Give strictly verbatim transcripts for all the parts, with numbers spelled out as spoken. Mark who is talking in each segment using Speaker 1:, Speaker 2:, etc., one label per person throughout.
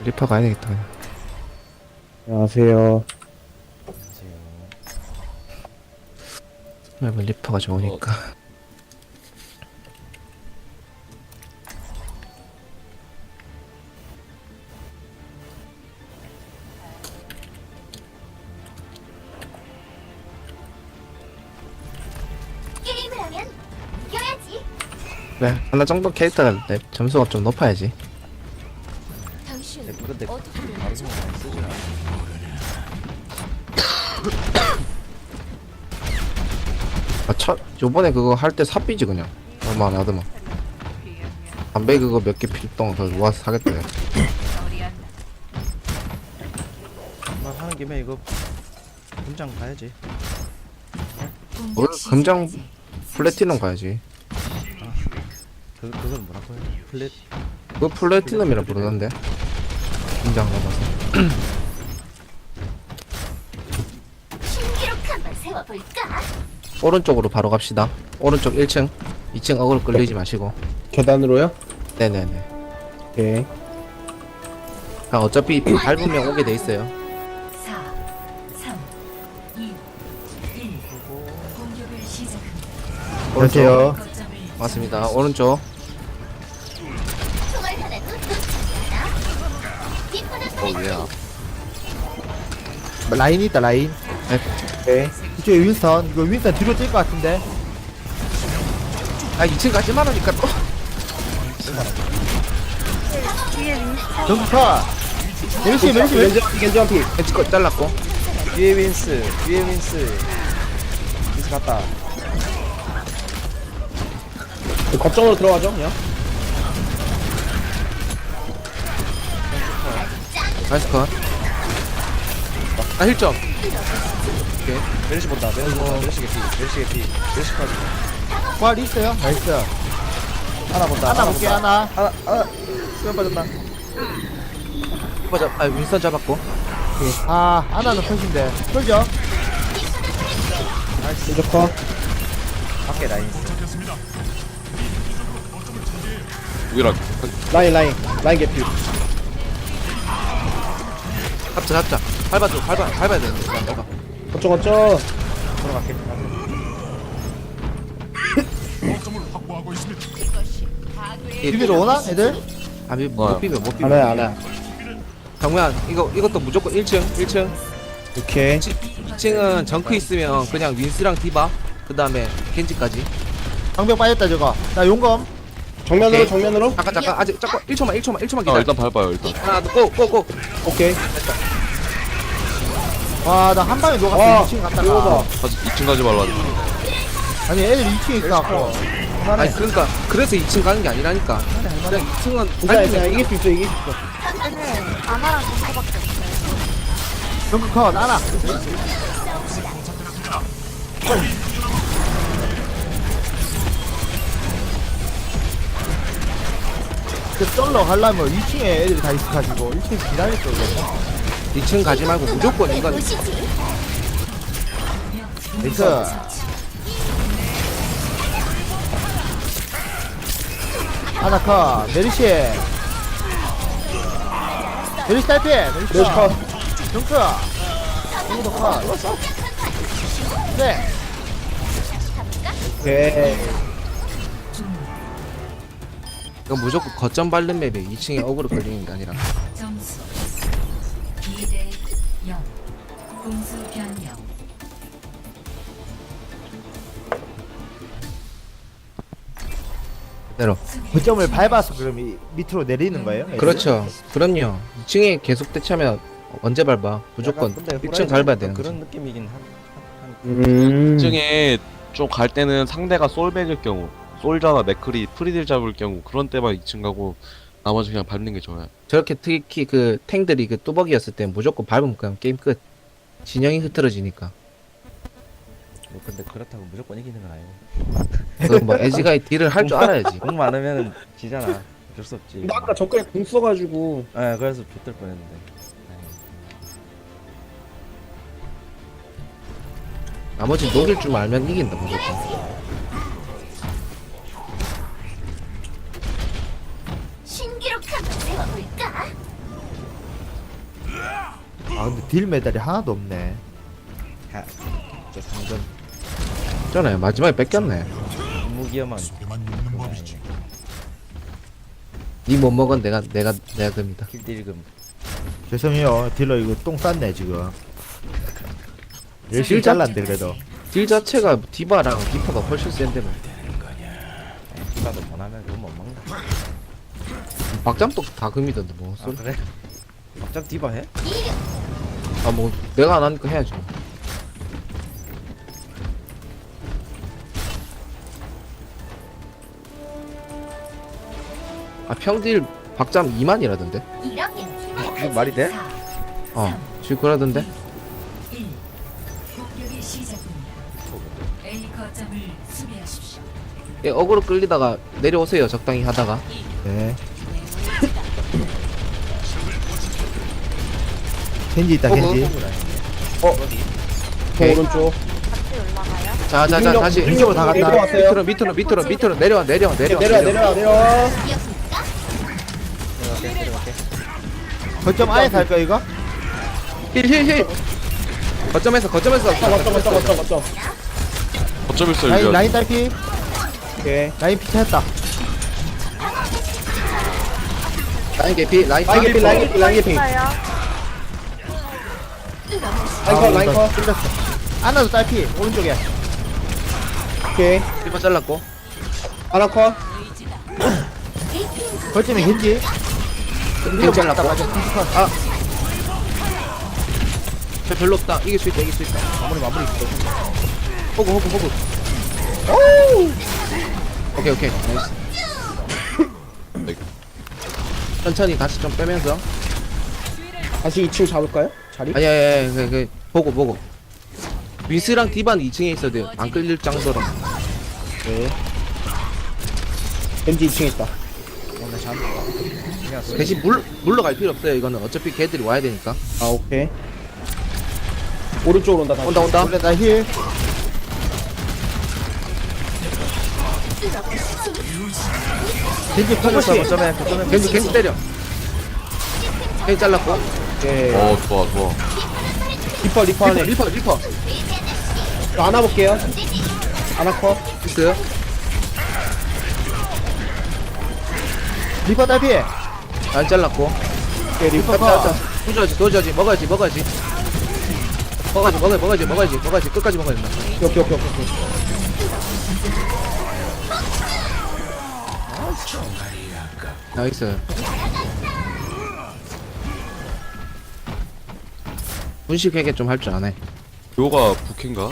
Speaker 1: 리퍼 가야 되겠다 그냥.
Speaker 2: 안녕하세요.
Speaker 1: 맵은 리퍼가 좋으니까.
Speaker 3: 게임을 하면 이겨야지.
Speaker 1: 그래 하나 정도 캐릭터가 내 점수가 좀 높아야지.
Speaker 3: 당신
Speaker 4: 근데
Speaker 3: 어떻게
Speaker 4: 바로 쓰지 않아.
Speaker 1: 아, 첫 요번에 그거 할 때 삽비지 그냥 얼마 안 하더만. 담배 그거 몇 개 필동 더 모아서 사겠다. 야.
Speaker 4: 말 하는 김에 이거 분장 가야지.
Speaker 1: 뭘 금장 플래티넘 가야지.
Speaker 4: 그 그건 뭐라고 해? 플랫
Speaker 1: 그거 플래티넘이라 부르던데. 금장 가봐서.
Speaker 3: 신기록 한번 세워볼까?
Speaker 1: 오른쪽으로 바로 갑시다. 오른쪽 일 층, 이 층 어그로 끌리지 마시고.
Speaker 2: 계단으로요?
Speaker 1: 네네네.
Speaker 2: 오케이.
Speaker 1: 아, 어차피 밟으면 오게 돼 있어요.
Speaker 5: 사, 삼, 이, 일. 공격을 시작합니다.
Speaker 2: 안녕하세요.
Speaker 5: 거점을
Speaker 1: 맞습니다. 오른쪽.
Speaker 3: 총알 하나 놓치지 않아. 뒷부분
Speaker 4: 어 얘야.
Speaker 6: 라인 있다 라인.
Speaker 2: 오케이.
Speaker 6: 이쪽에 윈스턴. 이거 윈스턴 뒤로 뛸 것 같은데.
Speaker 1: 아, 이 층 가지 말라니까 또.
Speaker 6: 정카 멜시 멜시 멜시.
Speaker 2: 겐지 겐지 한 피.
Speaker 1: 벤치 거 잘랐고.
Speaker 4: 위에 윈스, 위에 윈스. 윈스 갔다.
Speaker 2: 거점으로 들어가죠 그냥.
Speaker 1: 나이스 컷. 아, 힐 점.
Speaker 4: 멜시 본다. 멜시 본다. 멜시 개피. 멜시 개피. 멜시까지.
Speaker 6: 부활 있어요. 나이스.
Speaker 4: 하나 본다.
Speaker 6: 하나 볼게
Speaker 4: 본다.
Speaker 6: 하나.
Speaker 4: 하나 하나. 수면 빠졌다.
Speaker 1: 맞아. 아, 윈스턴 잡았고.
Speaker 6: 아 하나는 컷인데. 쏠죠.
Speaker 2: 겐지 커.
Speaker 4: 밖에 라인.
Speaker 2: 라인 라인 라인 개피.
Speaker 1: 잡자, 잡자. 밟아줘, 밟아, 밟아야 되는데. 그냥 밟아.
Speaker 2: 거점 거점.
Speaker 4: 들어갈게.
Speaker 6: 비비로 오나 애들?
Speaker 1: 아, 미, 못 비벼, 못 비벼.
Speaker 2: 안해 안해.
Speaker 1: 정면, 이거, 이것도 무조건 일 층, 일 층.
Speaker 2: 오케이.
Speaker 1: 이 층은 정크 있으면 그냥 윈스랑 디바, 그 다음에 겐지까지.
Speaker 6: 방벽 빠졌다 저거. 나 용검.
Speaker 2: 정면으로
Speaker 1: 오케이.
Speaker 2: 정면으로.
Speaker 1: 잠깐, 잠깐, 아직, 잠깐, 일 초만, 일 초만, 일 초만
Speaker 7: 아
Speaker 1: 기다려.
Speaker 7: 일단 밟아요 일단.
Speaker 1: 하나, 둘, 고, 고, 고.
Speaker 2: 오케이.
Speaker 6: 와 나 한 방에 녹았어.
Speaker 2: 와,
Speaker 6: 이 층 갔다가.
Speaker 2: 이거다.
Speaker 7: 가지 이 층 가지 말라.
Speaker 6: 아니 애들 이 층에 있어갖고.
Speaker 1: 아니, 그러니까, 그래서 이 층 가는 게 아니라니까. 그냥 이 층은
Speaker 2: 괜찮아 괜찮아. 이길 수 있어 이길 수 있어.
Speaker 3: 아마랑 정보밖에 없어요.
Speaker 6: 정크 컷 하나. 그 썰러 가려면 이 층에 애들이 다 있어가지고 일 층에서 기다릴 거거든요.
Speaker 1: 이 층 가지 말고 무조건 이건
Speaker 3: 보시지.
Speaker 6: 나이스. 하나 컷. 메리시. 메리시 딸피. 메리시
Speaker 2: 멜시 컷.
Speaker 6: 정크. 정크도 컷. 네.
Speaker 2: 오케이.
Speaker 1: 이건 무조건 거점 밟는 맵에 이 층에 어그로 걸리는 게 아니라.
Speaker 5: 점수 이 대 영. 공수 변경.
Speaker 1: 그대로.
Speaker 6: 거점을 밟아서 그럼 이 밑으로 내리는 거예요? 애들이?
Speaker 1: 그렇죠. 그럼요. 이 층에 계속 대치하면 언제 밟아? 무조건
Speaker 4: 약간 근데
Speaker 1: 일 층
Speaker 4: 호라이즌
Speaker 1: 밟아야 되는
Speaker 4: 그런
Speaker 1: 거지.
Speaker 4: 느낌이긴 한.
Speaker 2: 음.
Speaker 7: 이 층에 좀 갈 때는 상대가 솔백일 경우, 솔자나 맥크리, 프리딜 잡을 경우 그런 때만 이 층 가고 나머지 그냥 밟는 게 좋아요.
Speaker 1: 저렇게 특히 그 탱들이 그 뚜벅이었을 때 무조건 밟으면 그냥 게임 끝. 진영이 흐트러지니까.
Speaker 4: 뭐 근데 그렇다고 무조건 이기는 건 아니고.
Speaker 1: 그 뭐 에지가 딜을 할 줄 알아야지.
Speaker 4: 공 많으면 지잖아. 어쩔 수 없지.
Speaker 2: 근데 아까 저까지 공 써가지고.
Speaker 4: 아 그래서 좆될 뻔했는데.
Speaker 1: 나머지 녹일 줄 알면 이긴다 무조건.
Speaker 3: 신기록 한번 세워볼까?
Speaker 6: 아 근데 딜 메달이 하나도 없네.
Speaker 4: 하, 저 상점
Speaker 1: 있잖아요. 마지막에 뺏겼네.
Speaker 4: 무기여만
Speaker 1: 니 못 먹은 내가 내가 내가 듭니다.
Speaker 4: 킬딜금.
Speaker 6: 죄송해요 딜러 이거 똥 쌌네 지금. 열심히 잘랐는데 그래도.
Speaker 1: 딜 자체가 디바랑 리퍼가 훨씬 센데 뭐.
Speaker 4: 디바도 원하면 그거 못 먹나?
Speaker 1: 박잠도 다 금이던데 뭐.
Speaker 4: 아 그래? 막장 디바 해?
Speaker 1: 아 뭐 내가 안 하니까 해야지. 뭐. 아 평딜 박잠 이만이라던데.
Speaker 3: 이렇게
Speaker 4: 이게 말이 돼?
Speaker 1: 어 지금 그러던데.
Speaker 5: 일. 공격이 시작됩니다. A 거점을 수비하십시오.
Speaker 1: 예, 어그로 끌리다가 내려오세요. 적당히 하다가.
Speaker 6: 네. 겐지 있다 겐지.
Speaker 1: 오케이.
Speaker 2: 오른쪽.
Speaker 1: 자자자
Speaker 2: 이중력,
Speaker 1: 다시
Speaker 2: 이중력으로 다 갔다.
Speaker 1: 밑으로 밑으로 밑으로 밑으로 내려와 내려와 내려와
Speaker 2: 내려와 내려와 내려와.
Speaker 4: 내려갈게 내려갈게.
Speaker 6: 거점 아예 살까 이거?
Speaker 1: 힐힐힐 거점에서 거점에서
Speaker 2: 거점 거점 거점 거점 거점.
Speaker 7: 어쩜 있어
Speaker 6: 라인
Speaker 7: 이거.
Speaker 6: 라인 딸피.
Speaker 2: 오케이.
Speaker 6: 라인 피했다.
Speaker 1: 라인 개피 라인
Speaker 2: 라인
Speaker 1: 개피
Speaker 2: 개피 라인 개피 라인 개피. 라인커 라인커.
Speaker 6: 찔렸어. 안나도 딸피 오른쪽에.
Speaker 2: 오케이.
Speaker 1: 리퍼 잘랐고
Speaker 2: 아나커.
Speaker 6: 거점에 겐지.
Speaker 1: 힐 잘랐고 아 저 별로 없다 이길 수 있다 이길 수 있다
Speaker 6: 마무리 마무리.
Speaker 1: 호구 호구 호구 오케이 오케이 나이스 천천히 다시 좀 빼면서
Speaker 2: 다시 이 층 잡을까요? 자리?
Speaker 1: 아니 아니 아니 그, 그, 보고 보고 윈스랑 디바는 이 층에 있어야 돼요 안 끌릴 정도로
Speaker 2: 네. 겐지 이 층에 있다.
Speaker 4: 오늘 잠. 그냥 소리.
Speaker 1: 대신 물, 물러갈 필요 없어요 이거는 어차피 걔들이 와야 되니까
Speaker 2: 아 오케이. 오른쪽으로 온다 다시.
Speaker 1: 온다 온다
Speaker 6: 원래 나 힐. 겐지
Speaker 4: 터졌어
Speaker 6: 포커싱.
Speaker 4: 거점에 거점에.
Speaker 1: 겐지 겐지 때려 겐지 잘랐고
Speaker 2: 오케이.
Speaker 7: 어 좋아 좋아.
Speaker 2: 리퍼 리퍼 안에.
Speaker 1: 리퍼 리퍼
Speaker 2: 안아볼게요. 아나커.
Speaker 1: 있어요
Speaker 6: 리퍼 딸피.
Speaker 1: 안 잘랐고
Speaker 2: 오케이 리퍼
Speaker 6: 리퍼
Speaker 2: 컷.
Speaker 1: 부져야지 도져야지 먹어야지 먹어야지 먹어야지 먹어야지 먹어야지 먹어야지 먹어야지 끝까지 먹어야 된다
Speaker 2: 오케이 오케이 오케이 오케이.
Speaker 1: 나이스 분식 회계 좀 할 줄 아네
Speaker 7: 요가 부캐인가?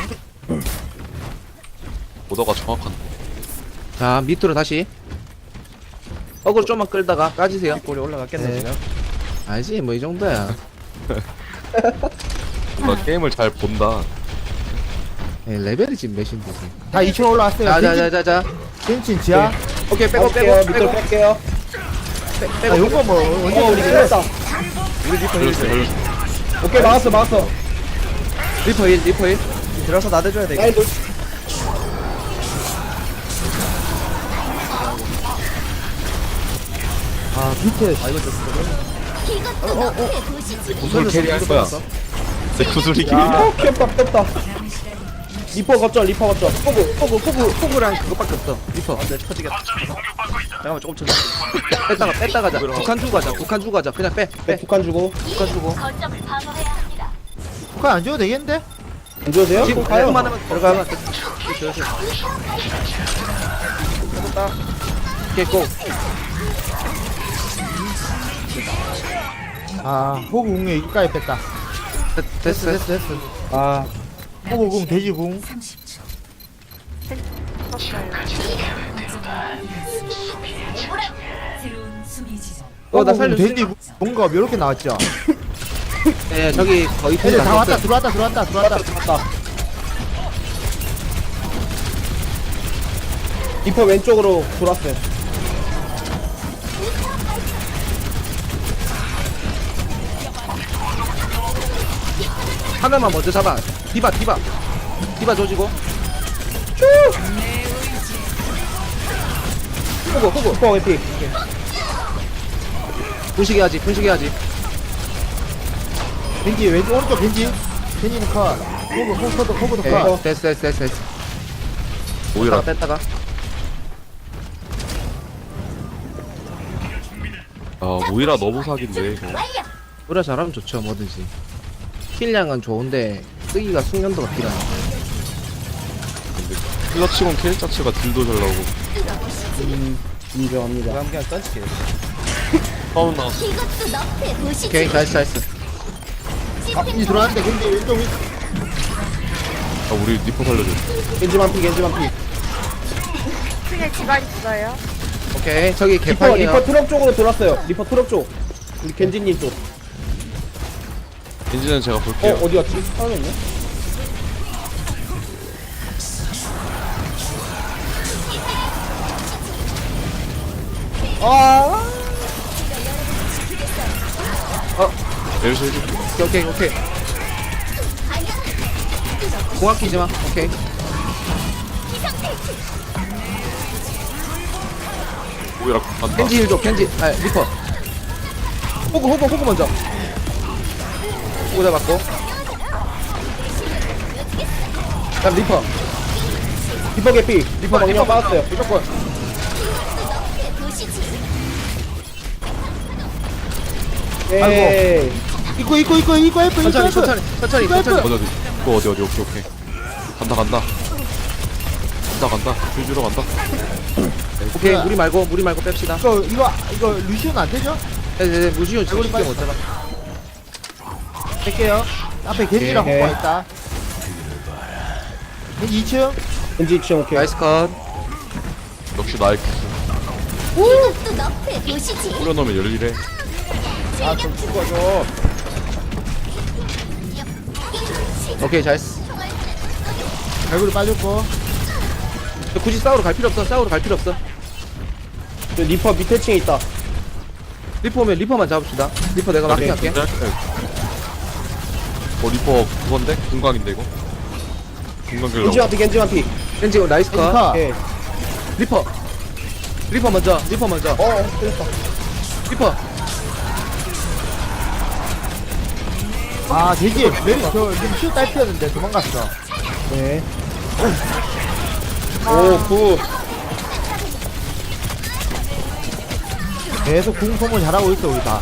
Speaker 7: 오더가 정확한데.
Speaker 1: 자 밑으로 다시 어그로 좀만 끌다가 까지세요
Speaker 4: 골이 올라갔겠네
Speaker 6: 네.
Speaker 4: 지금.
Speaker 1: 알지 뭐 이 정도야
Speaker 7: 뭔가 게임을 잘 본다.
Speaker 1: 예, 레벨이 지금 몇인데 지금
Speaker 6: 다 이 층 올라왔어요. 겐지
Speaker 1: 자자자자자
Speaker 6: 겐지 지하.
Speaker 1: 오케이 빼고
Speaker 2: 빼고
Speaker 1: 빼고
Speaker 2: 밑으로
Speaker 1: 빼고
Speaker 2: 뺄게요.
Speaker 6: 아 요거 뭐 언제
Speaker 2: 어 우리
Speaker 6: 우리
Speaker 2: 끌렸다.
Speaker 4: 우리 리퍼
Speaker 7: 걸렸어
Speaker 4: 힐.
Speaker 7: 걸렸어.
Speaker 2: 오케이 막았어 막았어.
Speaker 1: 리퍼 일 리퍼 일
Speaker 4: 들어서 나대줘야 돼.
Speaker 2: 라인 돌.
Speaker 6: 아 밑에.
Speaker 4: 아 이거 좀.
Speaker 3: 이것도 너의 도시지.
Speaker 7: 무슨 캐리 할 거야? 내 구슬이 길.
Speaker 2: 어 귀엽다 귀엽다. 리퍼 거점 리퍼 거점.
Speaker 1: 포구 포구 포구 포구랑 그거밖에 없어 리퍼
Speaker 4: 안돼 터지겠다. 잠깐만 조금 쳐.
Speaker 1: 뺐다가 뺐다가 가자 북한 주고 가자 북한 주고 가자 그냥 빼
Speaker 2: 네,
Speaker 1: 빼.
Speaker 2: 북한 주고.
Speaker 1: 북한 주고
Speaker 3: 거점을 방어해야 합니다.
Speaker 6: 그거 안 줘도 되겠는데?
Speaker 2: 안 줘도 돼요?
Speaker 1: 지금
Speaker 2: 가요.
Speaker 1: 가요만 하면 들어가면 오케이 고
Speaker 6: 아 호구 궁에 이까지 뺐다.
Speaker 1: 됐- 됐어
Speaker 6: 됐어 됐어 됐어.
Speaker 2: 아
Speaker 6: 호구 궁 돼지 궁.
Speaker 5: 삼십 초. 새로운 수비 지점.
Speaker 1: 어, 나
Speaker 6: 호구 궁
Speaker 1: 살려줘.
Speaker 6: 돼지 궁. 뭔가 이렇게 나왔죠.
Speaker 1: 예 저기 거의
Speaker 6: 애들 다 왔다
Speaker 1: 다
Speaker 6: 들어왔다 들어왔다 들어왔다.
Speaker 2: 맞다. 리퍼 왼쪽으로 돌았어요.
Speaker 1: 하나만 먼저 잡아 디바 디바 디바 조지고
Speaker 2: 호구 호구. 리퍼 왼피.
Speaker 1: 분식해야지 분식해야지
Speaker 6: 겐지 왼쪽 오른쪽 겐지 겐지는 컷 호그 호그도 호그도
Speaker 1: 오케이.
Speaker 6: 컷
Speaker 1: 됐어 됐어 됐어 됐어.
Speaker 7: 오히려
Speaker 1: 뺐다가 뺐다가.
Speaker 7: 아 모이라 너무 사기인데 이거.
Speaker 3: 완료.
Speaker 1: 우리가 잘하면 좋죠 뭐든지. 킬량은 좋은데 쓰기가 숙련도가 필요하네.
Speaker 7: 근데 킬러치곤 킬 자체가 딜도 잘 나오고
Speaker 2: 음, 인정합니다.
Speaker 4: 그럼 그냥 던질게.
Speaker 7: 파운 나왔어.
Speaker 3: 이것도 너프에 보시지.
Speaker 1: 오케이 잘했어 잘했어.
Speaker 6: 아 겐지 들어왔는데 겐지 왼쪽 위
Speaker 7: 아 우리 리퍼 살려줘.
Speaker 2: 겐지만 피, 겐지만 피.
Speaker 8: 층에 지가 있어요.
Speaker 1: 오케이 저기
Speaker 2: 리퍼,
Speaker 1: 개판이야.
Speaker 2: 리퍼 트럭 쪽으로 돌았어요. 리퍼 트럭 쪽. 우리 겐지님 쪽.
Speaker 7: 엔진은 제가
Speaker 2: 어,
Speaker 7: 볼게요.
Speaker 2: 어디 갔지? 사라졌네? 아,
Speaker 7: 내려서 해줄게.
Speaker 1: 오케이 오케이 오케이. 공학 끼지 마. 오케이.
Speaker 7: 모이라 간다.
Speaker 1: 켄지 힐 줘. 켄지. 아 리퍼.
Speaker 2: 호그, 호그, 호그 먼저.
Speaker 1: 호구 잡았고.
Speaker 2: 그다음 리퍼. 리퍼 개피. 리퍼 방향 빠졌어요.
Speaker 1: 무조건.
Speaker 2: 에이.
Speaker 6: 이거 이거 이거 이거 F 이거
Speaker 1: 천천히
Speaker 6: F
Speaker 1: 천천히 천천히
Speaker 6: 이거
Speaker 1: 천천히.
Speaker 7: 어디 어디 또 어디 어디 오케이 오케이 간다 간다 간다 간다 줄 주러 간다.
Speaker 1: 오케이 무리 말고 무리 말고 뺍시다.
Speaker 6: 이거 이거 이거 루시오는 안 되죠?
Speaker 1: 네네 무시오
Speaker 6: 얼굴이
Speaker 1: 쉽게
Speaker 6: 빨리
Speaker 1: 못 잡아.
Speaker 6: 뺄게요 앞에 겐지랑
Speaker 2: 오케이.
Speaker 6: 호그가 있다 겐지 이 층
Speaker 2: 겐지 이층 오케이.
Speaker 1: 나이스 컷.
Speaker 7: 역시 나의 기술.
Speaker 3: 이것도 너프에 보시지.
Speaker 7: 뿌려놓으면 열일해.
Speaker 2: 아좀 죽어줘.
Speaker 1: 오케이 잘했어.
Speaker 6: 얼굴이 빠졌고
Speaker 1: 굳이 싸우러 갈 필요 없어. 싸우러 갈 필요 없어.
Speaker 2: 저 리퍼 밑에 층에 있다.
Speaker 1: 리퍼 오면 리퍼만 잡읍시다. 리퍼 내가
Speaker 2: 오케이.
Speaker 1: 마킹할게.
Speaker 7: 어 리퍼 그건데? 금광인데 이거? 금광 길러.
Speaker 2: 겐지만 피, 겐지만 피.
Speaker 1: 켄지 나이스 컷.
Speaker 6: 겐지카
Speaker 2: 오케이.
Speaker 1: 리퍼. 리퍼 먼저. 리퍼 먼저.
Speaker 2: 어, 틀렸다.
Speaker 1: 리퍼.
Speaker 6: 아 겐지 메리 저 루시오 딸피였는데 도망갔어
Speaker 2: 네. 오, 굿.
Speaker 6: 계속 궁 소모 잘하고 있어 우리 다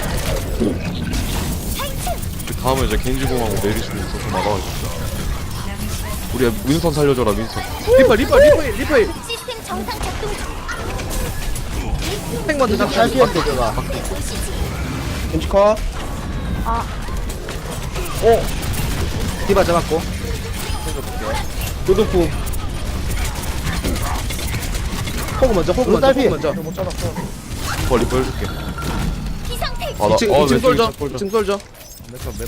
Speaker 7: 그 다음에 이제 겐지공하고 메리스도 있어서 나가가지고. 우리 윈선 살려줘라 윈선.
Speaker 1: 리퍼 리퍼 리퍼 리퍼.
Speaker 3: 시스템 정상 작동 중.
Speaker 1: 탱 먼저 잡자.
Speaker 6: 딸피였는데 저가
Speaker 2: 겐지 컷.
Speaker 8: 아.
Speaker 2: 오,
Speaker 1: 디바 잡았고.
Speaker 2: 도둑품.
Speaker 1: 호그 먼저 호그 먼저
Speaker 6: 딸피.
Speaker 1: 호그 먼저.
Speaker 2: 못 잡았어.
Speaker 7: 리퍼 리퍼 해줄게.
Speaker 3: 비상태.
Speaker 7: 아, 나,
Speaker 1: 이층
Speaker 7: 어,
Speaker 1: 이층
Speaker 7: 왼쪽,
Speaker 1: 솔져.
Speaker 7: 왼쪽 솔져.
Speaker 1: 이층 솔져.
Speaker 4: 메터 메터.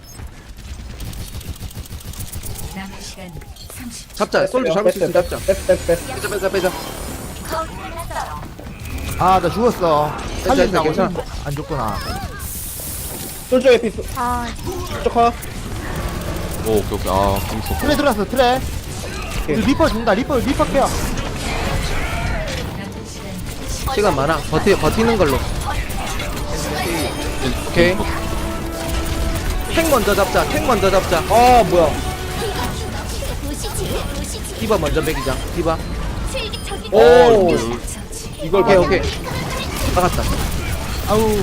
Speaker 5: 남은 시간 삼십 초.
Speaker 1: 잡자. 솔져 잡을 수 있으면 잡자.
Speaker 2: 뺐어, 뺐어, 뺐어.
Speaker 1: 빼자 빼자 빼자.
Speaker 6: 아 나 죽었어 살린다고
Speaker 1: 괜찮아.
Speaker 6: 했는데 안 죽구나
Speaker 2: 솔저의 피,
Speaker 8: 아,
Speaker 2: 솔저 컷.
Speaker 7: 오 오케이 오케이. 아 궁수.
Speaker 6: 트레 들어왔어 트레 우리 리퍼 준다 리퍼 리퍼 케어
Speaker 5: 남은 시간
Speaker 1: 시간 많아. 버티 버티는 걸로. 오케이. 탱 먼저 잡자. 탱 먼저 잡자.
Speaker 2: 아, 뭐야.
Speaker 3: 보시지. 보시지.
Speaker 1: 디바 먼저 먹이자. 디바.
Speaker 3: 실기적인
Speaker 2: 오,
Speaker 7: 어, 이거
Speaker 2: 이걸
Speaker 1: 오케이
Speaker 2: 봐.
Speaker 1: 오케이. 나갔다.
Speaker 6: 아우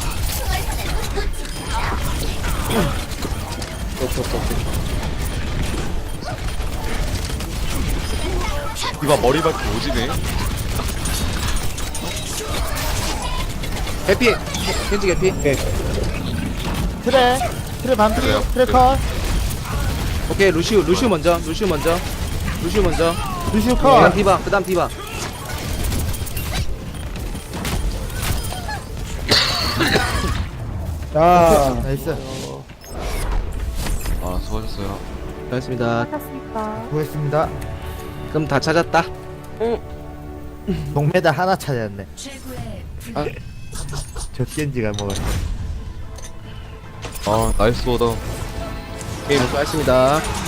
Speaker 7: 디바 머리 밟고 오지네.
Speaker 1: 개피. 켄지 개피.
Speaker 2: 오케이.
Speaker 6: 트레 트레 반피
Speaker 7: 그래요?
Speaker 6: 트레 컷
Speaker 1: 오케이 루시우 루시우 먼저. 루시우 먼저. 루시우 먼저.
Speaker 6: 루시오
Speaker 1: 그다음
Speaker 6: 컷
Speaker 1: 디바. 그다음 디바.
Speaker 2: 자,
Speaker 6: 나이스
Speaker 7: 아 수고하셨어요.
Speaker 1: 잘했습니다.
Speaker 8: 하셨습니까?
Speaker 6: 수고했습니다
Speaker 1: 그럼 다 찾았다.
Speaker 6: 동메달 하나 찾았네
Speaker 5: 최고의 분
Speaker 1: 아,
Speaker 6: 저 겐지가 먹었어
Speaker 7: 아 나이스 오더.
Speaker 1: 게임 수고하셨습니다.